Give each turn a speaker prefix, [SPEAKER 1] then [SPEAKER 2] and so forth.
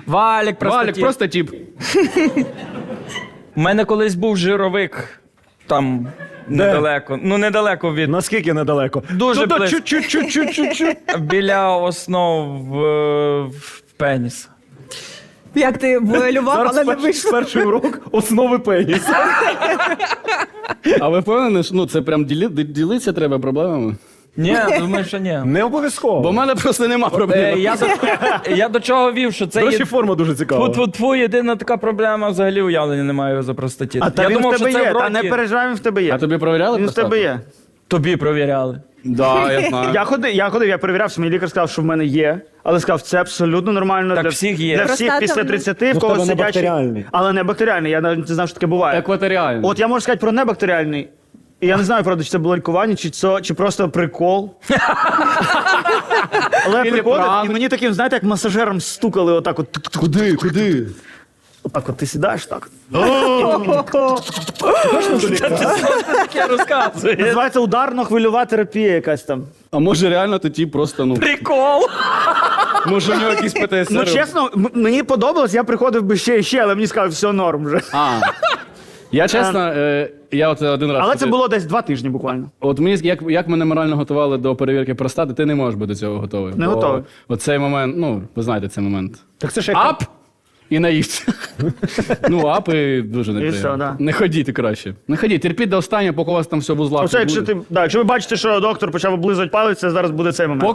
[SPEAKER 1] Валік
[SPEAKER 2] просто тіп.
[SPEAKER 1] У мене колись був жировик там недалеко. Ну, недалеко від.
[SPEAKER 3] Наскільки недалеко?
[SPEAKER 1] Дуже
[SPEAKER 3] Ну,
[SPEAKER 1] близько.
[SPEAKER 3] чуть-чуть.
[SPEAKER 1] Біля основ в пеніс.
[SPEAKER 4] Як ти воював, але не
[SPEAKER 3] Зараз
[SPEAKER 4] вийшло.
[SPEAKER 3] перший урок основи пеніса.
[SPEAKER 2] А ви впевнені, що це прям ділитися треба проблемами?
[SPEAKER 1] Ні, думаю, що ні.
[SPEAKER 3] Не обов'язково.
[SPEAKER 2] Бо в мене просто нема проблем.
[SPEAKER 1] Я до чого вів, що це
[SPEAKER 3] До
[SPEAKER 1] є
[SPEAKER 3] речі, форма дуже цікава.
[SPEAKER 1] тфу-тфу-тфу, єдина така проблема, взагалі уявлення не маю за простатит.
[SPEAKER 5] А та
[SPEAKER 1] Я
[SPEAKER 5] він
[SPEAKER 1] думав,
[SPEAKER 5] в тебе
[SPEAKER 1] що це
[SPEAKER 5] є,
[SPEAKER 1] в
[SPEAKER 5] та не
[SPEAKER 1] роті.
[SPEAKER 5] переживай, він в тебе є.
[SPEAKER 2] А тобі провіряли
[SPEAKER 5] Він в тебе
[SPEAKER 2] простату?
[SPEAKER 5] є.
[SPEAKER 1] Тобі провіряли.
[SPEAKER 2] Да, я знаю.
[SPEAKER 5] Я перевіряв, що мій лікар сказав, що в мене є, але сказав, це абсолютно нормально
[SPEAKER 1] Так
[SPEAKER 5] для
[SPEAKER 1] всіх є.
[SPEAKER 5] Для всіх
[SPEAKER 4] Простата
[SPEAKER 5] після
[SPEAKER 4] в-
[SPEAKER 5] 30,
[SPEAKER 3] Ну,
[SPEAKER 5] в
[SPEAKER 3] в
[SPEAKER 5] кого
[SPEAKER 3] тебе не
[SPEAKER 5] сидячий.
[SPEAKER 3] бактеріальний.
[SPEAKER 5] Але не бактеріальний, я навіть не знав, що таке буває.
[SPEAKER 2] Екваторіально.
[SPEAKER 5] От я можу сказати про небактеріальний. І я не знаю, правда, чи це було лікування, чи просто прикол. Але я
[SPEAKER 2] Или
[SPEAKER 5] приходив,
[SPEAKER 2] пранк.
[SPEAKER 5] і мені таким, знаєте, як масажером стукали отак от.
[SPEAKER 2] Куди?
[SPEAKER 5] Отак от ти сідаєш так.
[SPEAKER 1] Таке розказує.
[SPEAKER 5] Називається ударно-хвильова терапія якась там.
[SPEAKER 2] А може реально ти тіп просто, ну,
[SPEAKER 1] Прикол.
[SPEAKER 2] може у нього якийсь ПТСР?
[SPEAKER 5] Ну, чесно, мені подобалось, я приходив би ще і ще, але мені сказали, все норм вже.
[SPEAKER 2] А. Я чесно, я от один раз...
[SPEAKER 5] Але це було десь 2 тижні буквально.
[SPEAKER 2] От мені, як мене морально готували до перевірки простати, ти не можеш бути до цього готовий.
[SPEAKER 5] Не
[SPEAKER 2] Бо
[SPEAKER 5] готовий.
[SPEAKER 2] Оцей момент, ну, ви знаєте цей момент.
[SPEAKER 3] Так це ж
[SPEAKER 2] Ап! І наївся. Ну, ап і дуже неприємно.
[SPEAKER 5] все, да.
[SPEAKER 2] Не ходіть краще. Не ходіть, терпіть до останнього, поки у вас там все в узлах.
[SPEAKER 5] Оце,
[SPEAKER 2] не
[SPEAKER 5] якщо
[SPEAKER 2] буде.
[SPEAKER 5] якщо ви бачите, що доктор почав облизувати палець, це зараз буде цей момент.